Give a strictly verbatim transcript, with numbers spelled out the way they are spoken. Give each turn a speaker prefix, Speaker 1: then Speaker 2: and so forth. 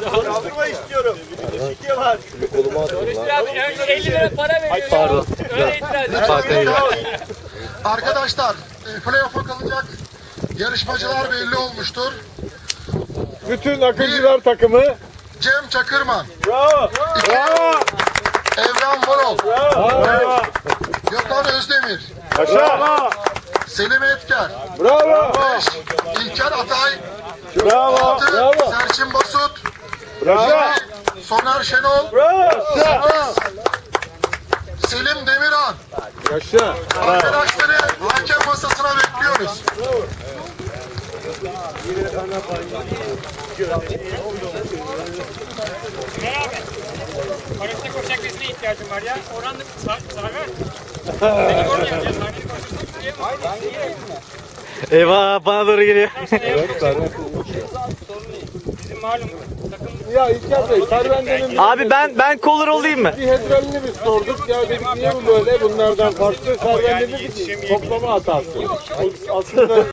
Speaker 1: Kaldırma istiyorum. Şike var.
Speaker 2: Koluma attım lan.
Speaker 3: elli lira para veriyor.
Speaker 2: Pardon.
Speaker 3: Öyle itiraz.
Speaker 2: Farkındayım.
Speaker 4: Arkadaşlar, e, playoff'a kalacak yarışmacılar belli olmuştur.
Speaker 5: Bütün akıncılar takımı.
Speaker 4: Cem Çakırman,
Speaker 1: Bravo.
Speaker 5: Bravo.
Speaker 4: Evren Varol,
Speaker 5: Bravo.
Speaker 4: Gökhan Özdemir,
Speaker 5: Aşağı.
Speaker 4: Selim Etker,
Speaker 5: Bravo.
Speaker 4: beş İlker Atay,
Speaker 5: Bravo.
Speaker 4: altı
Speaker 5: Bravo.
Speaker 4: Serçin Basut,
Speaker 5: Bravo.
Speaker 4: yedi Soner Şenol,
Speaker 1: Bravo.
Speaker 4: sekiz Selim Demirhan.
Speaker 5: Yaşa.
Speaker 4: Arkadaşları hakem masasına bekliyoruz.
Speaker 3: Parasına koşacak birisine ihtiyacım var ya. Orhan da Sarver. Beni yormayacağız ya. Sarver'i koşacak.
Speaker 2: Eyvah bana doğru geliyor.
Speaker 3: Bizim malum takım
Speaker 5: Ya İlker Bey, Servende'nin
Speaker 2: Abi ben ben collar olayım mı?
Speaker 5: bir hedralini biz sorduk. Ya dedik niye bu böyle bunlardan farklı? Servende dedi ki toplama hatası. Aslında